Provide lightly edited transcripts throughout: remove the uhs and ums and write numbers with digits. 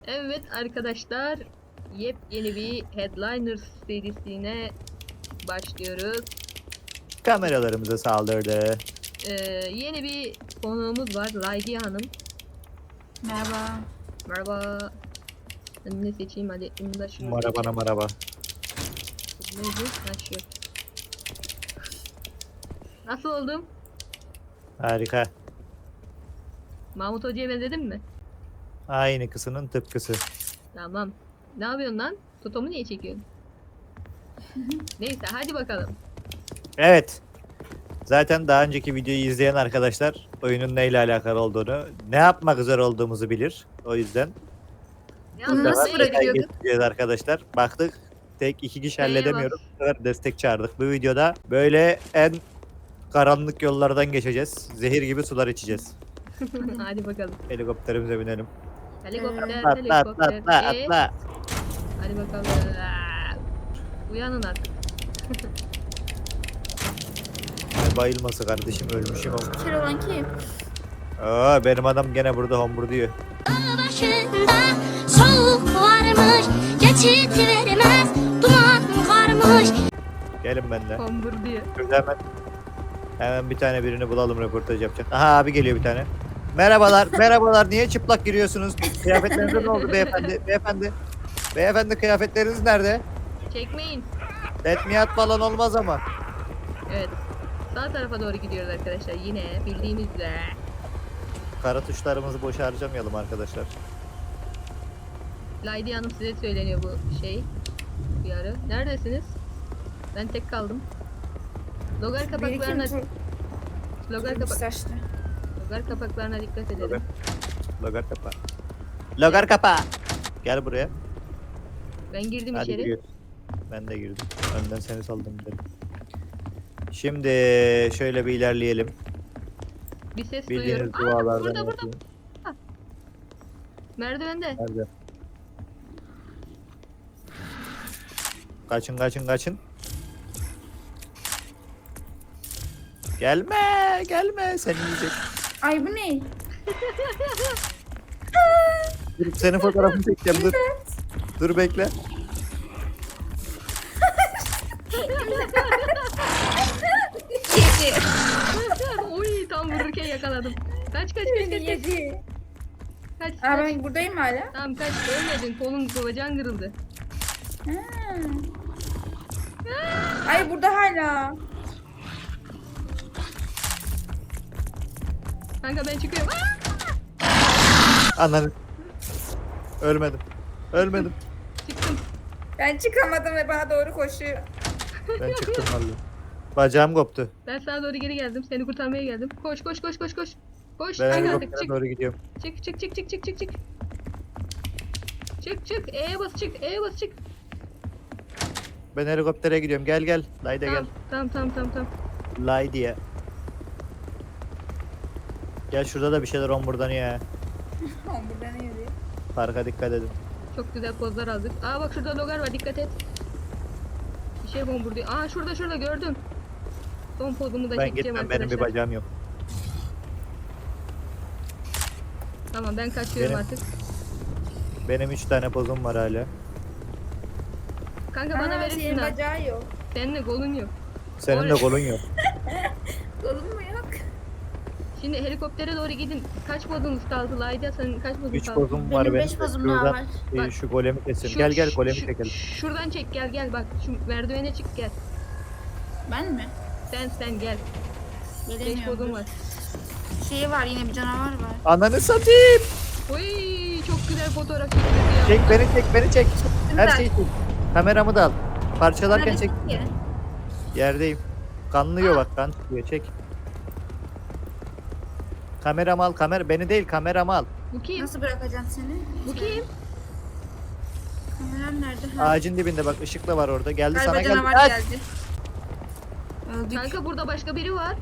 Evet arkadaşlar, yepyeni bir Headliners serisine başlıyoruz. Kameralarımıza saldırdı. Yeni bir konuğumuz var, Laydi Hanım. Merhaba. Merhaba. Ben ne seçeyim hadi, bunu da şunu Merhaba seçeyim. merhaba. Neydi? Ha şu. Nasıl oldum? Harika. Mahmut Hoca'ya benzedim mi? Aynı kısının tıpkısı. Tamam. Ne yapıyorsun lan? Totomu niye çekiyorsun? Neyse hadi bakalım. Evet. Zaten daha önceki videoyu izleyen arkadaşlar oyunun neyle alakalı olduğunu, ne yapmak üzere olduğumuzu bilir. O yüzden Ne Bunu nasıl yapıyorsun? bırakıyorduk? geçeceğiz arkadaşlar. Baktık tek iki kişi Neye halledemiyoruz. bas? Bu sefer destek çağırdık. Bu videoda böyle en karanlık yollardan geçeceğiz. Zehir gibi sular içeceğiz. Hadi bakalım. Helikopterimize binelim. Helikopter, Atla atla atla helikopter. atla atla. Hadi bakalım. Uyanın artık. Ne bayılması kardeşim, ölmüşüm ama. Kör olan kim? Aa, benim adam gene burada hombur diyor. Başında soğuk varmış, geçit vermez, duman karmış. Gelin benimle. Kombur diye. Şurada hemen bir tane birini bulalım, röportaj yapacak. Aha, abi geliyor bir tane. Merhabalar, merhabalar. Niye çıplak giriyorsunuz? Kıyafetlerinize ne oldu beyefendi? Beyefendi kıyafetleriniz nerede? Çekmeyin. Tetmiyat falan olmaz ama. Evet. Sağ tarafa doğru gidiyoruz arkadaşlar. Yine bildiğimiz üzere. Kara tuşlarımızı boşa harcamayalım arkadaşlar. Laydi Hanım size söyleniyor bu şey. Bir ara. Neredesiniz? Ben tek kaldım. Logar kapaklarına Saçlı. logar kapaklarına dikkat edelim. Logar kapa. Logar kapa. Gel buraya. Ben girdim Hadi içeri. giriyoruz. Ben de girdim. Önden seni saldım dedim. Şimdi şöyle bir ilerleyelim. Bir ses Bildiğiniz duyuyorum. Aa, dualardan burada. yapayım. Merdivende. Nerede? Kaçın kaçın kaçın. Gelme gelme, seni yiyecek. Ay bu ne? Dur, senin fotoğrafını çekeceğim, dur. Dur bekle. Yedi. Uy, tam vururken yakaladım. Kaç. Yedi. Kaç. Aa ben buradayım hala. Tamam kaç. Ölmedin. Kolun bacağın kırıldı. Ha. Ay burada hala. Kanka ben çıkıyorum. Aa! Anladım. Ölmedim. Ölmedim. Çıktım. Ben çıkamadım ve bana doğru koşuyor. Ben çıktım vallahi. Bacağım koptu. Ben sana doğru geri geldim. Seni kurtarmaya geldim. Koş. Koş. Ben Hadi artık helikoptere çık. doğru gidiyorum. Çık. Çık. E'ye bas çık. Ben helikoptere gidiyorum. Gel gel. Layda gel. Tamam. Laydiye. Gel, şurada da bir şeyler homurdanıyor ya. Oğlum burada ne yazıyor? Parka dikkat edin. Çok güzel pozlar aldık. Aa bak şurada logar var, dikkat et. Bir şey bomburduyor. Aa şurada gördüm. Son pozumu da Ben çekeceğim gitmem, benim bir arkadaşlar. bacağım yok. Tamam ben kaçıyorum Benim- artık. Benim 3 tane pozum var hala. Kanka bana verirsin senin ha. bacağı yok. Senin de kolun yok. Senin de kolun yok. Kolun mu yok? Şimdi helikoptere doğru gidin. Kaç pozunuz kaldı Layda? Senin kaç pozun 3 kaldı? pozum var Benim benim. 5 pozum daha Şuradan, var. Bak. şu golemi keselim. Gel golemi çekelim. Şuradan çek gel bak. Şu merdivene çık gel. Ben mi? Sen gel. 5 Gelemiyorum. pozum var. Şey var yine bir canavar var. Ananı satayım. Oy çok güzel fotoğraf çekildi ya. Çek beni çek. Her Şimdi şeyi çek. Kameramı da al. Parçalarken Neredesin çek. ki? Yerdeyim. Kanlıyor bak, kan çıkıyor, çek. Kameramı al, beni değil, kameramı al. Bu kim? Nasıl bırakacağım seni? Bu kim? Kameram nerede? Ha. Ağacın dibinde bak, ışıkla var orada. Geldi Galiba sana, geldi. canavar Kaç! geldi. Öldük. Kanka burada başka biri var.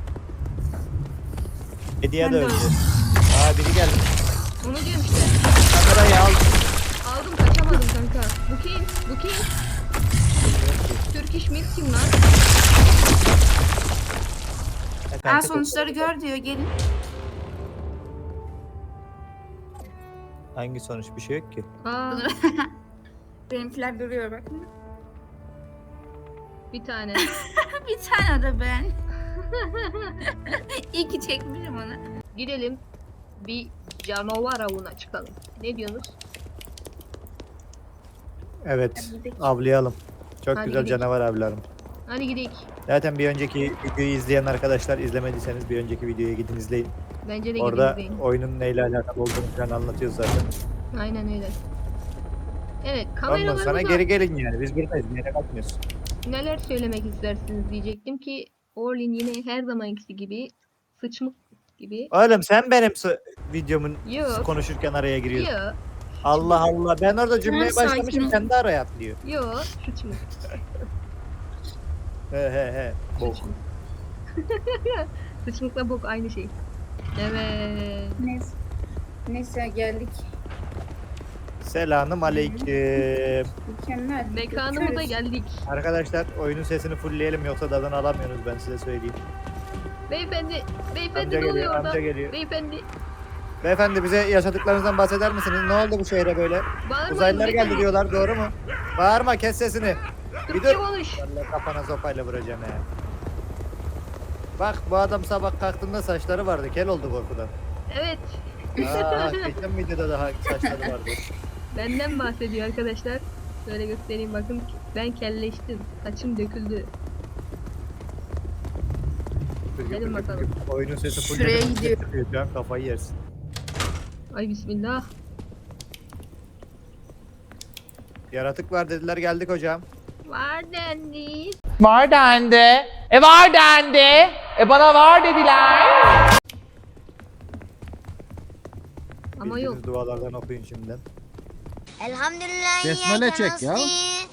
Hediye Ben de de öldü. öldüm. Aa, biri geldi. Onu diyorum işte. Kamerayı al. Aldım kaçamadım kanka. Bu kim? Türk iş Milk kim lan? Aa sonuçları gör diyor gelin. Hangi sonuç? Bir şey yok ki. Aa, Benimkiler duruyor bak. bir tane. Bir tane de ben. İyi ki çekmişim onu. Gidelim. Bir canavar avına çıkalım. Ne diyorsunuz? Evet. Hadi gidelim. Avlayalım. Çok Hadi güzel gidelim. canavar avlarım. Hadi gidelim. Zaten bir önceki videoyu izleyen arkadaşlar, izlemediyseniz bir önceki videoya gidin izleyin. Bence de Orada gidelim. oyunun neyle alakalı olduğunu falan anlatıyoruz zaten. Aynen öyle. Evet, Ondan sonra kameralarımıza geri gelin yani. Biz buradayız. Bir yere kalkmıyoruz. neler söylemek istersiniz diyecektim ki Orlin yine her zamankisi gibi sıçmık gibi. Oğlum sen benim videomun Yok. konuşurken araya giriyorsun. Yo, Allah Allah. Ben orada cümleye Tamam, sakin başlamışım. ol. Sen de araya atlıyor. yo, sıçmık. He. Bok. Sıçmık. Sıçmıkla bok aynı şey. Evet. Neyse geldik. Selamün aleyküm. Mükemmel. Mekanımıza geldik. Arkadaşlar oyunun sesini fullleyelim yoksa tadını alamıyorsunuz ben size söyleyeyim. Beyefendi Amca ne oluyor geliyor, orada? amca geliyor. Beyefendi, Beyefendi bize yaşadıklarınızdan bahseder misiniz? Ne oldu bu şehre böyle? bağırmayın. Uzaylılar geldi beyefendi. diyorlar, doğru mu? Bağırma, kes sesini. Bir Türkçe dur. konuş. Vallahi kafana sopayla vuracağım ya. Bak bu adam sabah kalktığında saçları vardı, kel oldu korkudan. Evet, Geçen videoda daha saçları vardı. benden bahsediyor arkadaşlar. Şöyle göstereyim bakın. Ben kelleştim. Saçım döküldü. Gelin bakalım. Oyunun sesi Şuraya gidiyor. Şu an kafayı yersin. Ay bismillah. Yaratık var dediler, geldik hocam. Var dendi. Var dendi. Var dendi. Bana var dediler. Ama Bildiğiniz yok. dualardan okuyun şimdiden. Elhamdülillah. Besmele çek ya.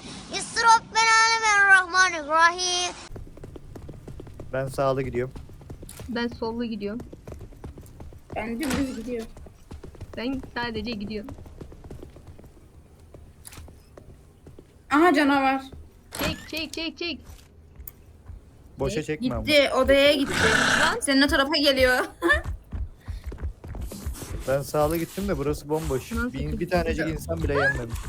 Bismillahirrahmanirrahim. Ben sağlı gidiyorum. Ben sollu gidiyorum. Ben dümdüz gidiyor. Ben sadece gidiyorum. Aha canavar. Çek. Boşa çekme ama. Gitti odaya gitti. Senin o tarafa geliyor. Ben sağlı gittim de burası bomboş. Nasıl Bir gitti? tanecik insan bile yenmemiş.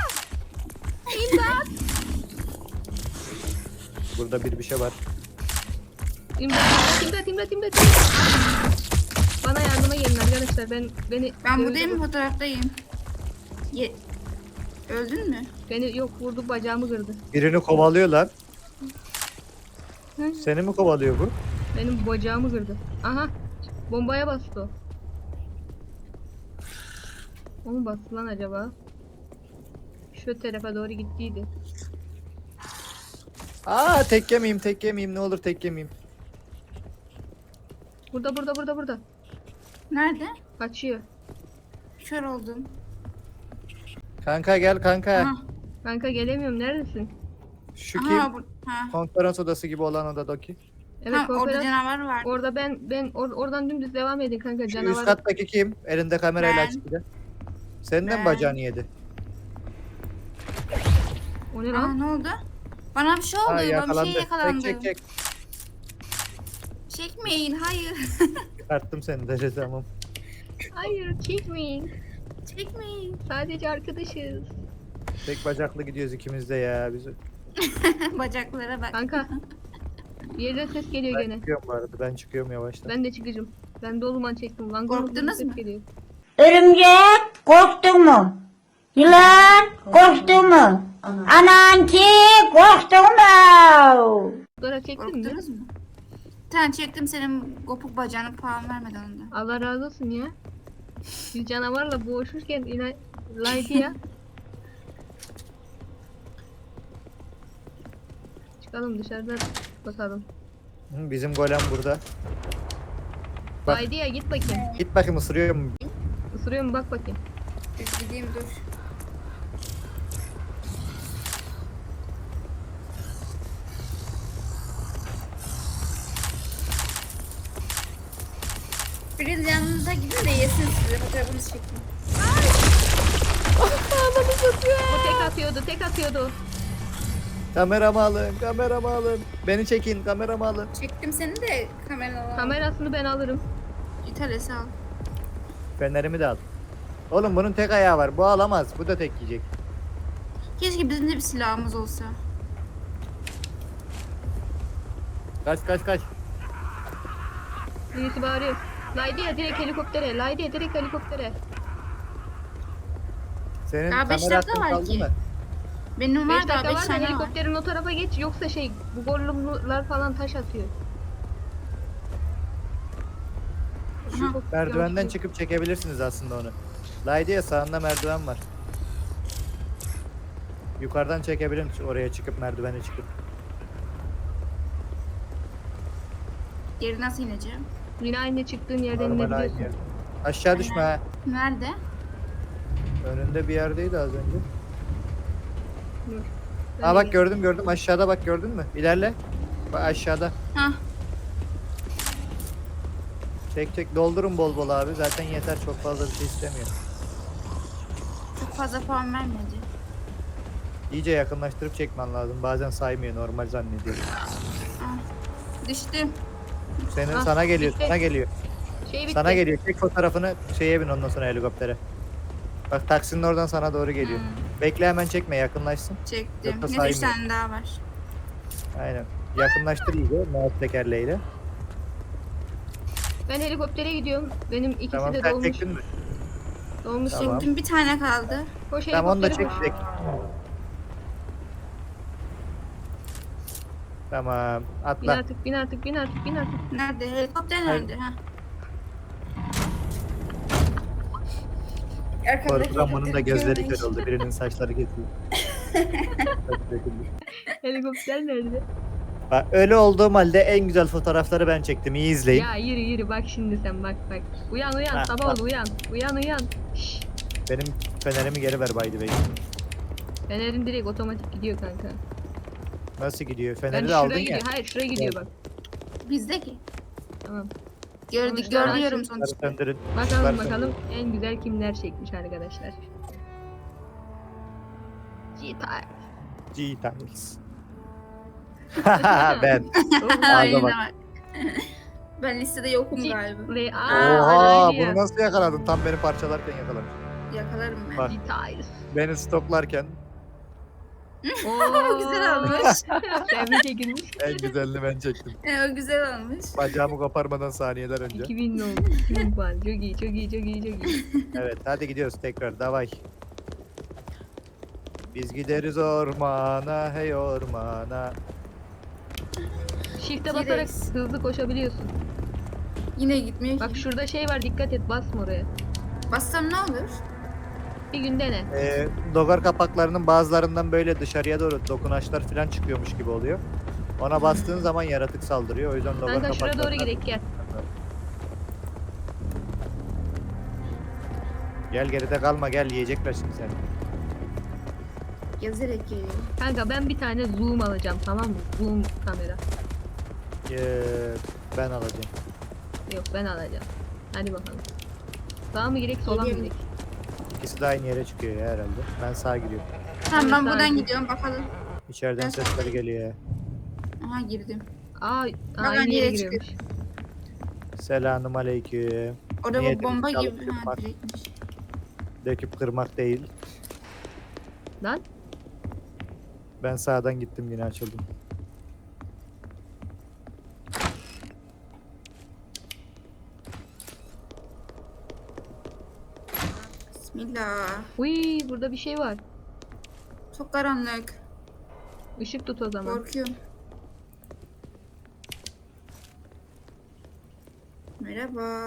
Burada bir şey var. İmdat. Bana yardıma gelin arkadaşlar. Ben buradayım, fotoğraftayım. Öldün mü? Beni yok vurdu, bacağımı kırdı. Birini kovalıyor lan. Hı? Seni mi kovalıyor bu? Benim bacağımı kırdı. Aha. Bombaya bastı o. O mu bastı lan acaba? Şu tarafa doğru gittiydi. Aa tek yemeyeyim ne olur tek yemeyeyim. Burada. Nerede? Kaçıyor. Kör oldum. Kanka gel kanka. Aha. Kanka gelemiyorum. Neredesin? Şu Aha, kim? ha. Konferans odası gibi olan odadaki. Evet, Ha, orada konferans. canavar var. Orada oradan dümdüz devam edin kanka. Şu üst Canavar. kattaki kim? Elinde kamerayla Ben. açık bir de. Senin de mi Ben. bacağını yedi? O ne Aa, lan? ne oldu? Bana bir şey oldu. Ha Bana bir yakalandı. şey yakalandı. Çek. Çekmeyin, hayır. Çıkarttım seni de tamam. Hayır, çekmeyin. Çekmeyin. Sadece arkadaşız. Tek bacaklı gidiyoruz ikimiz de ya. Biz... Bacaklara bak. Kanka. Bir yerden ses geliyor Ben gene. çıkıyorum bu arada. Ben çıkıyorum yavaştan. Ben de çıkacağım. Ben de o zaman çektim. Lan Korktunuz ses mu? geliyor. Örümcek korktun mu? Yılan korktun mu? Ananki korktun mu? Fotoğraf çektin mi? Korktunuz mu? Tamam çektim, senin kopuk bacağını puan vermedi onda. Allah razı olsun ya. Bir canavarla boğuşurken yine like ya. Çıkalım dışarıda bakalım. Hı, bizim golem burada. Bak. Haydi ya git bakayım. Git bakayım ısırıyor mu? Isırıyor mu bak bakayım. Dur gideyim dur. Biraz yanınıza gidin de yesin size, fotoğrafınızı çekin. Bu tek atıyordu. Kameramı alın. Beni çekin, kameramı alın. Çektim seni de kamerana al. Kamerasını ben alırım. İtalesi al. Fenerimi de al. Oğlum bunun tek ayağı var. Bu alamaz. Bu da tek yiyecek. Keşke bizim de bir silahımız olsa. Kaç kaç kaç. Birisi bağırıyor. Laydiye direkt helikoptere. Laydiye direkt helikoptere. Senin Daha beş kamera dakika hakkın var kaldı ki. mı? Benim 5 var daha dakika 5 var da tane var. helikopterin o tarafa geç. Yoksa şey bu gollumlar falan taş atıyor. Aha. Çok Merdivenden yanlış. çıkıp çekebilirsiniz aslında onu. Laydiye sağında merdiven var. Yukarıdan çekebilirim oraya çıkıp merdivene çıkıp. Geri nasıl ineceğim? Yine aynı çıktığın yerden Normal aynı inebiliyorsun. yer. Aşağı düşme ha. Nerede? Önünde bir yerdeydi az önce. Dur. Aa bak gördüm gördüm aşağıda bak gördün mü? İlerle. Bak aşağıda. Hah. Çek çek doldurun bol bol abi. Zaten yeter çok fazla bir şey istemiyor. Çok fazla puan vermedi. İyice yakınlaştırıp çekmen lazım. Bazen saymıyor normal zannediyor. Düştüm. Senin Ah, sana geliyor bitti. sana geliyor. Şey bitti. Sana geliyor. Çek fotoğrafını şeye bin ondan sonra helikoptere. Bak taksinin oradan sana doğru geliyor. Bekle hemen çekme yakınlaşsın. Çektim. Yoksa Ne 3 saymıyor. tane daha var. Aynen. Yakınlaştır iyice mouse tekerleğiyle. Ben helikoptere gidiyorum. Benim ikisi Tamam de sen dolmuş. çektin mi? Dolmuş. Tamam. Çektim bir tane kaldı. Koş Tamam onu da helikoptere çek koş. çek. Tamam Bin atla. artık, bin artık, bin artık, bin artık. Nerede? Helikopter nerede? Ha. Korkudan bunun da gözleri kör oldu. Birinin saçları kesildi. Helikopter nerede? Bak öyle olduğum halde en güzel fotoğrafları ben çektim. İyi izleyin. Ya yürü yürü bak şimdi sen bak bak. Uyan uyan Ha, sabah bak. oldu uyan. Uyan uyan. Şşş. Benim fenerimi geri ver by the way. Fenerin direkt otomatik gidiyor kanka. Nasıl gidiyor? Ben Feneri de şuraya aldın ya. gidiyor. Hayır şuraya gidiyor Gel. bak. Bizdeki. Tamam. Gördük, Sonuçlar görüyorum açın. Bunları sonuçta. söndürün. Bakalım Bunları bakalım en güzel kimler çekmiş arkadaşlar. G-Type. G-Tiles. Ben. Aynen bak. bak. Ben listede yokum galiba. Oha bunu nasıl yakaladın? Tam beni parçalarken yakalamış. Yakalarım ben. Bak. G-Type. Beni stoklarken Oo, Güzel olmuş. Tebrik çekilmiş. en güzelini ben çektim. O güzel olmuş. Bacağımı koparmadan saniyeler önce. 2000 oldu. 2000 puan. Çok iyi, çok iyi, çok iyi, çok iyi. Evet hadi gidiyoruz tekrar davay. Biz gideriz ormana hey ormana. Shift'e basarak T-Rex. hızlı koşabiliyorsun. Yine gitmiyor Bak ki. şurada şey var dikkat et basma oraya. Bassam ne olur? Bir gün dene. Dogar kapaklarının bazılarından böyle dışarıya doğru dokunaçlar falan çıkıyormuş gibi oluyor. Ona bastığın zaman yaratık saldırıyor. O yüzden dogar Kanka şuraya doğru kapaklarından... gidelim gel. Gel geride kalma gel yiyecekler şimdi seni. Gezerek geliyor. Kanka ben bir tane zoom alacağım tamam mı? Zoom kamera. Ben alacağım. Yok ben alacağım. Hadi bakalım. Sağa mı girek sola mı Geliyorum. girek? İkisi de aynı yere çıkıyor ya herhalde. Ben sağa gidiyorum. Tamam ben Evet, buradan sakin. gidiyorum bakalım. İçeriden Ben sesleri geliyor ya. Aha girdim. Aynı yere yere giriyormuş. Selamün aleyküm. Orada Niye bu bomba dedik, gibi. alıp Ha kırmak? direktmiş. Döküp kırmak değil. Lan Ben sağdan gittim yine açıldım. Bismillah. uy burada bir şey var. Çok karanlık. Işık tut o zaman. Korkuyorum. Merhaba.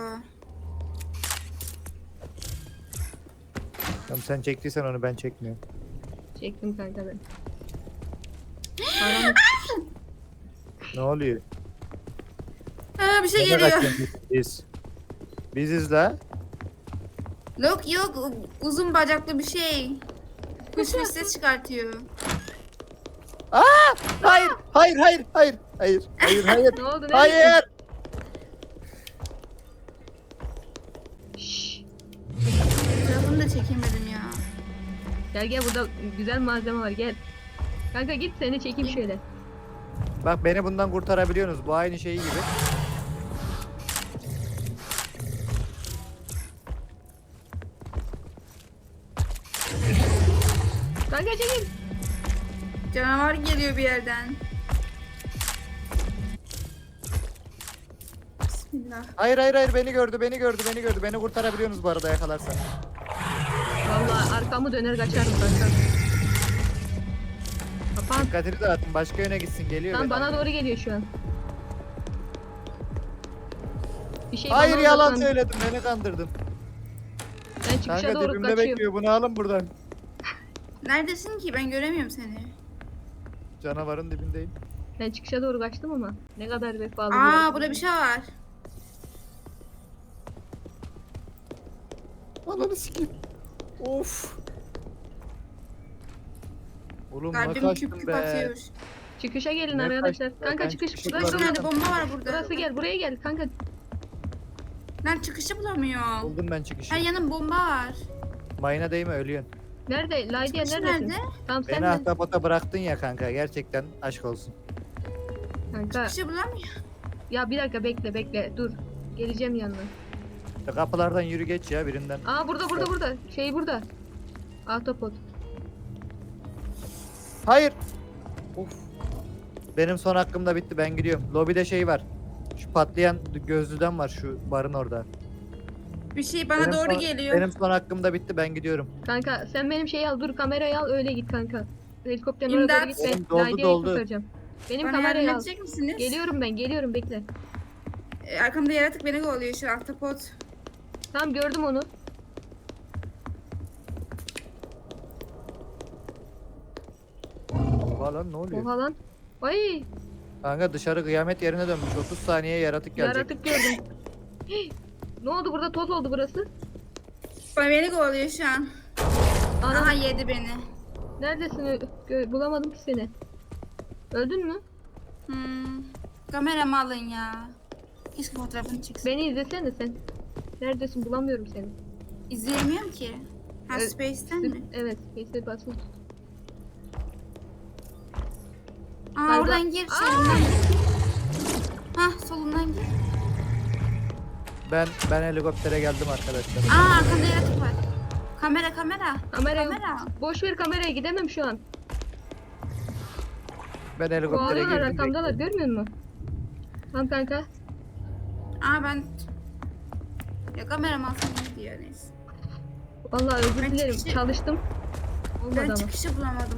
Tamam sen çektiysen onu ben çekmiyorum. Çektim kanka ben. Karanlık. Ne oluyor? Ha bir şey Nereye geliyor. kaçıyorsun biz? Biziz la. Yok yok uzun bacaklı bir şey. Kuş ses çıkartıyor. Hayır, hayır, hayır, hayır, hayır, hayır, hayır, Ne oldu? hayır. Şşş. Tarafını da çekemedim ya. Gel gel burada güzel malzeme var gel. Kanka git seni çekeyim şöyle. Bak beni bundan kurtarabiliyorsunuz. Bu aynı şeyi gibi. Kanka çekil. Canavar geliyor bir yerden. Bismillah. Hayır beni gördü. Beni kurtarabiliyorsunuz bu arada yakalarsan. Vallahi arkamı döner kaçarım kanka. Kapan. Dikkatini dağıtın başka yöne gitsin geliyor. Tam beni bana almaya. doğru geliyor şu an. Bir şey Hayır bana yalan odaklan- söyledim beni kandırdın. Ben çıkışa Kanka doğru dibimde kaçıyorum. bekliyor bunu alın buradan. Neredesin ki? Ben göremiyorum seni. Canavarın dibindeyim. Ben çıkışa doğru kaçtım ama ne kadar vefalı. Aa burada bir şey var. Ananı sikeyim. Of. Oğlum ne Kalbim küp kaçtım küp be. atıyor. Çıkışa gelin Ne arkadaşlar. kaçtı? Kanka Ben çıkış. çıkışı Burası Bir bulamadım. tane bomba var burada. Burası gel. Buraya gel kanka. Lan çıkışı bulamıyorum. Buldum ben çıkışı. Her yanım bomba var. Mayına değme ölüyorsun. Nerede? Laydiye Çıkışı neredesin? nerede? Tamam sen Beni de. ahtapota bıraktın ya kanka gerçekten aşk olsun. Kanka. Çıkışı bulamıyorum. Ya bir dakika bekle. Dur. Geleceğim yanına. Kapılardan yürü geç ya birinden. Aa burada. Şey burada. Ahtapot. Hayır. Of. Benim son hakkım da bitti ben gidiyorum. Lobide şey var. Şu patlayan gözlüden var şu barın orada. Bir şey bana Benim doğru son- geliyor. Benim son hakkım da bitti ben gidiyorum. Kanka sen benim şeyi al. Dur kamerayı al öyle git kanka. Helikopterin oraya doğru İmdat. git. Oğlum, Ben doldu, Laydiye'yi doldu. kurtaracağım. Benim Bana yardım kamerayı al. edecek misiniz? Geliyorum bekle. Arkamda yaratık beni kovalıyor şu ahtapot. Tamam gördüm onu. Oha lan ne oluyor? Oha lan. Ay Kanka dışarı kıyamet yerine dönmüş. 30 saniye yaratık gelecek. yaratık gördüm. Hii, ne oldu burada toz oldu burası. Beni kovalıyor şu an. Ana Aha yedi beni. neredesin? Bulamadım ki seni. Öldün mü? Kameramı alın ya. Keşke fotoğrafını çeksin. Beni izlesene sen. Neredesin bulamıyorum seni. İzleyemiyorum ki. Ha Evet, Space'ten mi? Evet. Space'e basılı tut. Aa Galiba- oradan gir. Solundan gir. Hah solundan gir. Ben helikoptere geldim arkadaşlar. Aa arkamda yaratık var. Kamera. Kamera yok. Kamera. Boş ver kameraya gidemem şu an. Ben helikoptere Kovalıyorlar girdim. arkamdalar görmüyor musun? Tamam kanka. Aa ben... Ya kameram alsam iyi diyor neyse. Vallahi özür Ben dilerim. çıkışı- Çalıştım. Olmadı Ben ama. çıkışı bulamadım.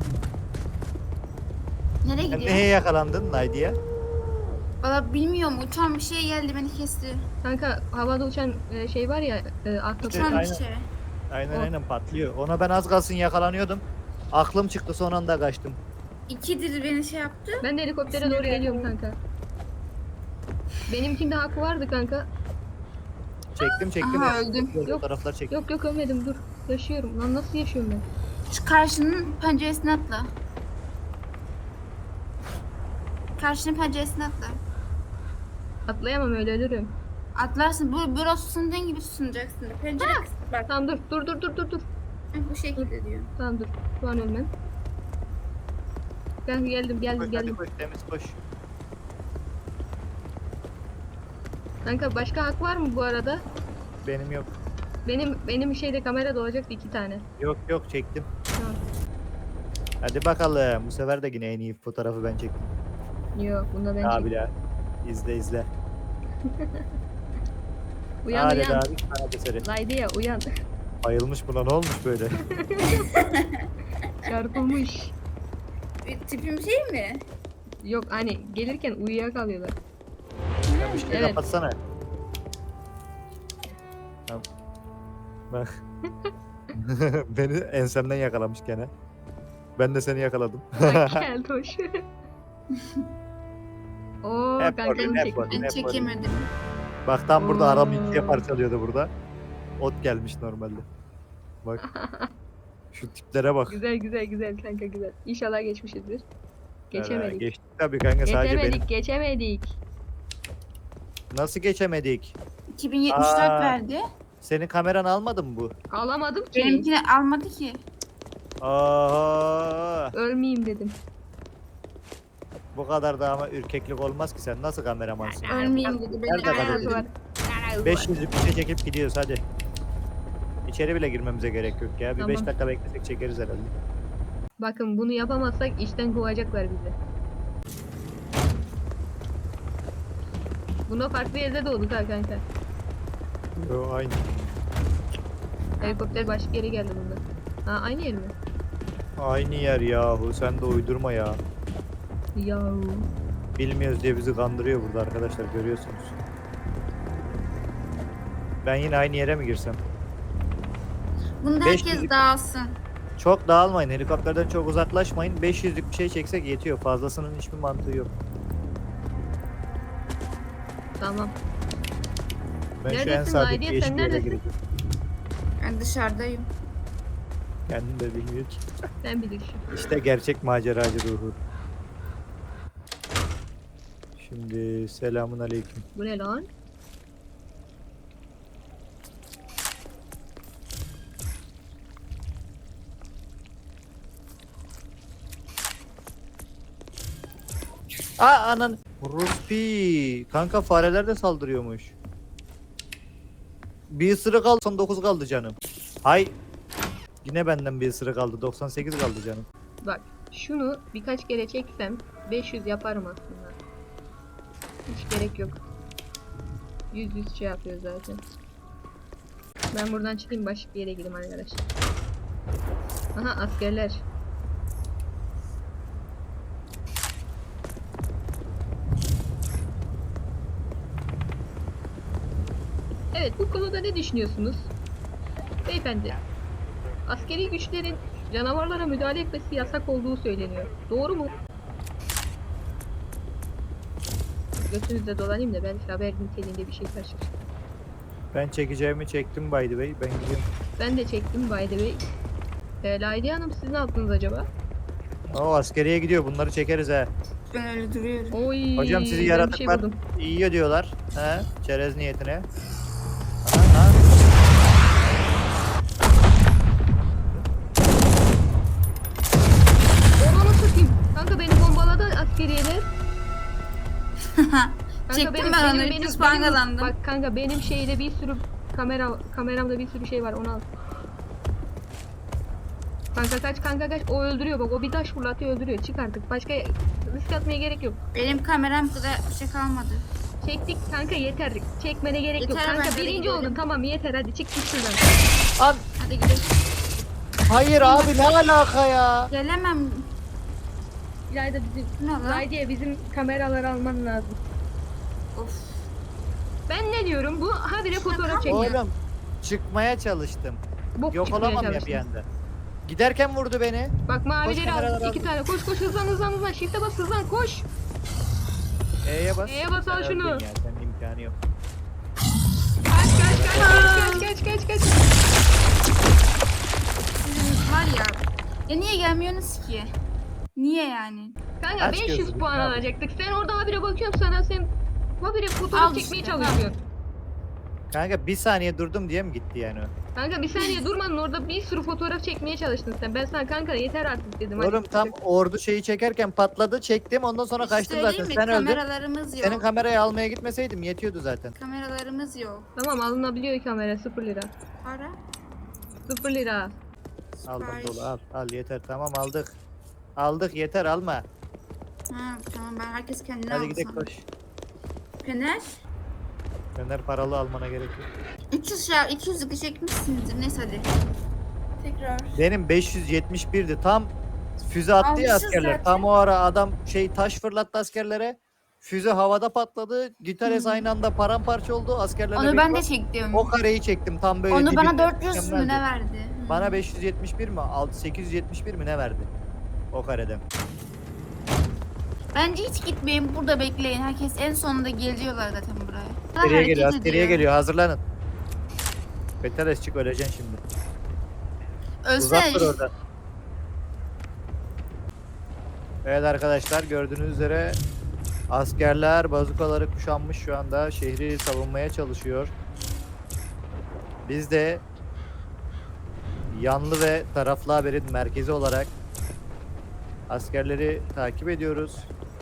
Nereye Sen gidiyor? neye yakalandın Naydiye? Valla bilmiyorum uçan bir şey geldi beni kesti. Kanka havada uçan şey var ya ahtapot. Uçan bir aynen. şey. Aynen patlıyor. Ona ben az kalsın yakalanıyordum. Aklım çıktı son anda kaçtım. İkidir beni şey yaptı. Ben de helikoptere doğru geliyorum kanka. Benimkinde hakkı vardı kanka. Çektim. Aha, öldüm. Yok. Fotoğraflar çektim. Yok ölmedim dur. Yaşıyorum. Lan nasıl yaşıyorum ben? Şu karşının penceresine atla. Karşının penceresine atla. Atlayamam öyle ölürüm. Atlarsın. Burası sunduğun gibi sunacaksın. Pencere bak. Tamam dur. Bu şekilde diyor. Tamam dur. Şu an ölmem. Ben geldim. Hadi koş temiz koş. Kanka başka hak var mı bu arada? Benim yok. Benim şeyde kamerada olacaktı 2 tane. Yok çektim. Tamam. Hadi bakalım. Bu sefer de yine en iyi fotoğrafı ben çektim. Yok bunda ben Abi çektim. ya. İzle. Uyan Hadi uyan. abi sanat eseri. Laydiye uyan. Bayılmış buna ne olmuş böyle? Çarpılmış. Tipim şey mi? Yok hani gelirken uyuyakalıyorlar. Sen ışığı Evet. kapatsana. Tamam. Bak. Beni ensemden yakalamış gene. Ben de seni yakaladım. Bak gel hoş. Oo Hep kanka orada, hep çektim. orada. Ben Ne çekemedim. Bak tam burada aram Oo. ikiye parçalıyordu burada. Ot gelmiş normalde. Bak. Şu tiplere bak. Güzel kanka güzel. İnşallah geçmişizdir. Geçemedik. Geçtik tabii kanka sadece benim. Geçemedik. Nasıl geçemedik? 2074 Aa. verdi. Senin kameran almadı mı bu? Alamadım ki. Benimkini almadı ki. Aa, Ölmeyeyim dedim. bu kadar da ama ürkeklik olmaz ki sen nasıl kameramansın? Ölmeyeyim dedi. Beni Nerede Nerede kalıyor? var? 500 bir şey çekip gidiyoruz hadi. İçeri bile girmemize gerek yok ya. Bir 5 Tamam. dakika beklesek çekeriz herhalde. Bakın bunu yapamazsak işten kovacaklar bizi. Buna farklı yerde doğduk ha kanka. Yo aynı. Helikopter başka yere geldi bunda. Ha aynı yer mi? Aynı yer yahu, sen de uydurma ya. Yahu. Bilmiyoruz diye bizi kandırıyor burada arkadaşlar, görüyorsunuz. Ben yine aynı yere mi girsem? Bunda 500 herkes dağılsın. Çok dağılmayın, helikopterden çok uzaklaşmayın. 500'lük bir şey çeksek yetiyor. Fazlasının hiçbir mantığı yok. Tamam. Ben şu en Neredesin sağdaki Hayriye, yeşil sen yere neredesin? gireceğim. Ben dışarıdayım. Kendim de bilmiyor ki. Sen bilirsin. İşte gerçek maceracı ruhu. Şimdi selamun aleyküm. Bu ne lan? Aa anan. Ruspi. Kanka fareler de saldırıyormuş. Bir ısırık kaldı, 99 kaldı canım. Hay. Yine benden bir ısırık kaldı, 98 kaldı canım. Bak şunu birkaç kere çeksem 500 yaparım aslında. Hiç gerek yok. 100 şey yapıyor zaten. Ben buradan çıkayım, başka bir yere gideyim arkadaşlar. Aha askerler. Evet, bu konuda ne düşünüyorsunuz? Beyefendi, askeri güçlerin canavarlara müdahale etmesi yasak olduğu söyleniyor. Doğru mu? Götünüzde dolanayım da belki haber niteliğinde bir şey karşılaşır. Ben çekeceğimi çektim by the way. Ben gidiyorum. Ben de çektim by the way. Laydiye Hanım, siz ne yaptınız acaba? O askeriye gidiyor. Bunları çekeriz ha. Ben öyle duruyorum. Oy, Hocam sizi ben bir yaratıklar buldum. yiyor diyorlar. He? Çerez niyetine. Aha, Onu satayım. Kanka beni bombaladı askeriyeler. Kanka Çektim ben onu, 300 puan kazandım. Bak kanka benim şeyde bir sürü kameramda bir sürü şey var, onu al. Kanka kaç o öldürüyor, bak o bir taş fırlatıyor öldürüyor, çık artık, başka risk atmaya gerek yok. Benim kameram kadar bir şey kalmadı. Çektik kanka, yeter, çekmene gerek yok Yeter, kanka, bence de birinci gidelim. oldun, tamam yeter, hadi çık git şuradan. An Hadi gidelim. hayır abi, ne alaka ya? Gelemem. İlayda bizim, Ne lan? Laydiye bizim kameraları alman lazım. Of. Ben ne diyorum, bu habire fotoğraf çekiyor. Oğlum çıkmaya çalıştım. Bok Yok çıkmaya olamam ya çalıştın. bir anda. Giderken vurdu beni. Bak mavileri kameraları al, 2 aldım. tane, koş hızlan, shift'e bas, hızlan, koş. E'ye bas. E'ye bas, al Sen şunu. öldün ya, senin imkanı yok. Kaç. Sizin var ya. Ya niye gelmiyorsunuz ki? Niye yani? Kanka Aç 500 gözünü, puan ne alacaktık. Sen orada habire bakıyorum sana, sen habire fotoğraf Al çekmeye işte, çalışıyorsun. Kanka bir saniye durdum diye mi gitti yani o? Kanka bir saniye durmadın, orada bir sürü fotoğraf çekmeye çalıştın sen. Ben sana kanka yeter artık dedim. hadi Oğlum tam çık. ordu şeyi çekerken patladı, çektim, ondan sonra kaçtım zaten. Söyleyeyim mi? Sen öldün. Kameralarımız yok. Senin kamerayı almaya gitmeseydim yetiyordu zaten. Kameralarımız yok. Tamam, alınabiliyor kamera, 0 lira. Para. 0 lira. Aldım Sipariş. dolu, al yeter, tamam aldık. Aldık yeter, alma. Ha tamam, ben herkes kendine Hadi alsın. gidelim koş. Fener. Fener paralı almana gerek yok. 300 şey, 200'lük çekmişsinizdir. Neyse hadi. Tekrar. Benim 571'di. Tam füze attı ya Almışız askerler. zaten. Tam o ara adam taş fırlattı askerlere. Füze havada patladı. Gitarez aynı anda paramparça oldu. Askerlerle Onu ben de birlikte çektim. o kareyi çektim tam böyle. Onu bana dibinde. 400 mü Mükemmeldi. ne verdi? Bana 571 mi? 871 mi ne verdi? O kareden. Bence hiç gitmeyin, burada bekleyin. Herkes en sonunda geliyorlar zaten buraya. Askeriye Hareket geliyor, askeriye ediyor. geliyor. Hazırlanın. Beteres çık, öleceksin şimdi. Uzak dur Ölsene. orada. Evet arkadaşlar, gördüğünüz üzere askerler bazukaları kuşanmış, şu anda şehri savunmaya çalışıyor. Biz de yanlı ve taraflı haberin merkezi olarak askerleri takip ediyoruz.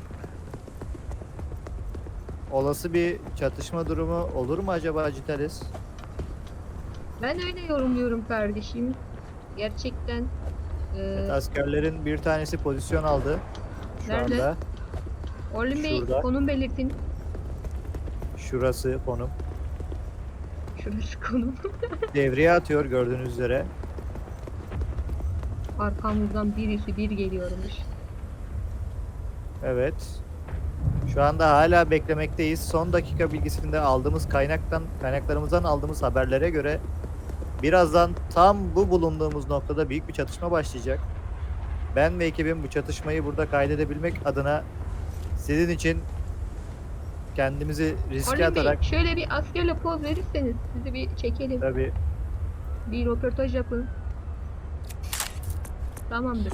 Olası bir çatışma durumu olur mu acaba Citalis? Ben öyle yorumluyorum kardeşim. Gerçekten Evet, askerlerin bir tanesi pozisyon aldı. Şu Nerede? anda. Orlin Bey Şurada. konum belirtin. Şurası konum. Şurası konum. Devreye atıyor gördüğünüz üzere. Arkamızdan birisi bir geliyormuş. Evet. Şu anda hala beklemekteyiz. Son dakika bilgisinde aldığımız kaynaklarımızdan aldığımız haberlere göre birazdan tam bu bulunduğumuz noktada büyük bir çatışma başlayacak. Ben ve ekibim bu çatışmayı burada kaydedebilmek adına sizin için kendimizi riske Orlin Bey atarak şöyle bir askerle poz verirseniz sizi bir çekelim. tabii Bir röportaj yapın. Tamamdır.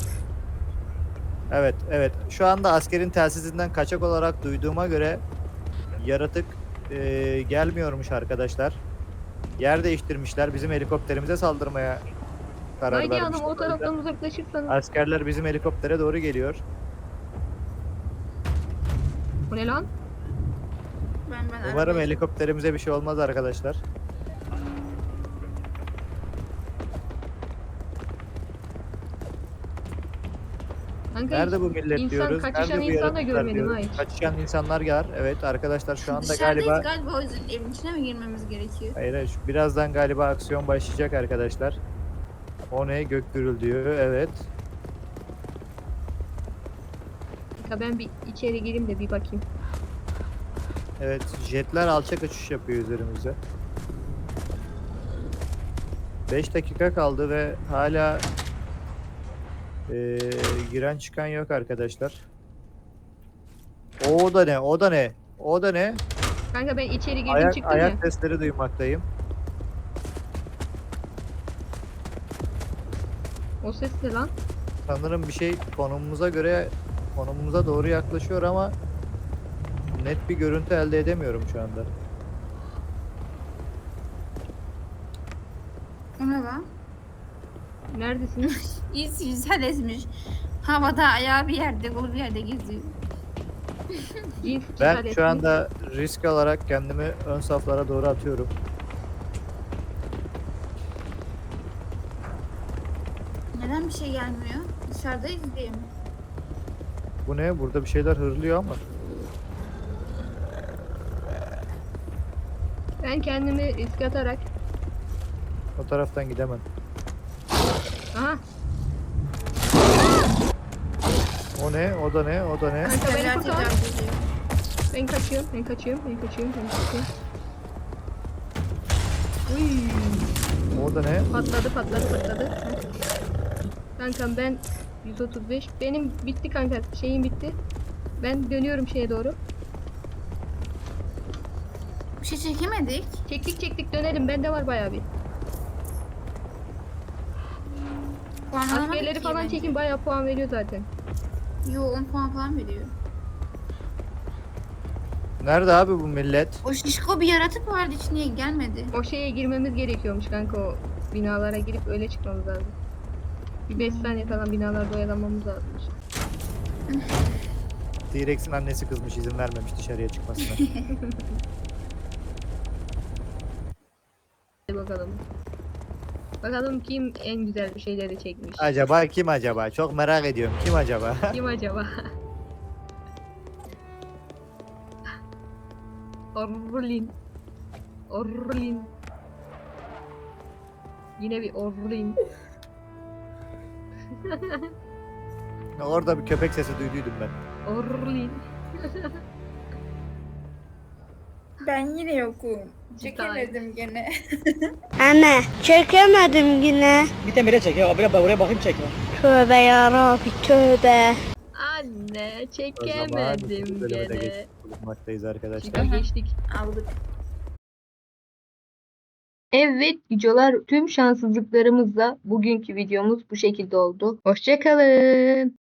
evet şu anda askerin telsizinden kaçak olarak duyduğuma göre yaratık gelmiyormuş arkadaşlar. Yer değiştirmişler. Bizim helikopterimize saldırmaya karar Haydi vermişler. Hanım o O yüzden taraftan uzaklaşırsanız. askerler bizim helikoptere doğru geliyor. Bu ne lan? Ben Umarım arabaya- helikopterimize bir şey olmaz arkadaşlar. Kanka Nerede hiç bu millet insan diyoruz? kaçışan Nerede bu insan da yaratıklar görmedim diyoruz? ha hiç. Kaçışan insanlar var. Evet arkadaşlar şu anda Dışarıdayız galiba galiba o yüzden evin içine mi girmemiz gerekiyor? hayır, birazdan galiba aksiyon başlayacak arkadaşlar. O ne? Gök gürültüyor. Evet. Ya ben bir içeri gireyim de bir bakayım. Evet. Jetler alçak uçuş yapıyor üzerimize. 5 dakika kaldı ve hala giren çıkan yok arkadaşlar. O da ne? O da ne? O da ne? Kanka ben içeri girdim çıktım ya. Ayak sesleri duymaktayım. O ses ne lan? Sanırım bir şey konumumuza doğru yaklaşıyor ama net bir görüntü elde edemiyorum şu anda. O ne lan? Neredesiniz? Yüzsel ezmiş. Havada ayağı bir yerde, kolu bir yerde geziyor. Cins Ben cesaret şu mi? anda risk alarak kendimi ön saflara doğru atıyorum. Neden bir şey gelmiyor? Dışarıdayız diye mi? Bu ne? Burada bir şeyler hırlıyor ama. Ben kendimi risk atarak. O taraftan gidemem. Aha O ne? O da ne? O da ne? kanka beni Tekrar kurtar. tekrar geliyor. Ben kaçıyorum. Ben kaçıyorum. Ben kaçıyorum. Ben kaçıyorum. Uy. O da ne? Patladı patladı patladı. Kankam ben 135. Benim bitti kanka. Şeyim bitti. Ben dönüyorum şeye doğru. Bir şey çekemedik. Çektik dönelim. Bende var bayağı bir. Puan alamadık Askerleri ki falan bence. çekin bayağı puan veriyor zaten. Yo 10 puan falan veriyor. Nerede abi bu millet? O şişko bir yaratık vardı hiç niye gelmedi? O şeye girmemiz gerekiyormuş kanka o binalara girip öyle çıkmamız lazım. Bir 5 saniye falan binalarda oyalanmamız lazımmış. T-Rex'in annesi kızmış, izin vermemiş dışarıya çıkmasına. Hadi bakalım. Bakalım kim en güzel bir şeyleri çekmiş. Acaba kim acaba? Çok merak ediyorum. Kim acaba? Kim acaba? Orlin. Orlin. Yine bir Orlin. Orada bir köpek sesi duyduydum ben. Orlin. Ben yine yokum. Çekemedim gene. Anne çekemedim yine. Bir temire çek ya. Oraya bakayım çekme. Tövbe yarabbi tövbe. Anne O zaman çekemedim bölüme de gene. geçmiş bulunmaktayız arkadaşlar. Şika geçtik. Aldık. Evet videolar tüm şanssızlıklarımızla bugünkü videomuz bu şekilde oldu. Hoşça kalın.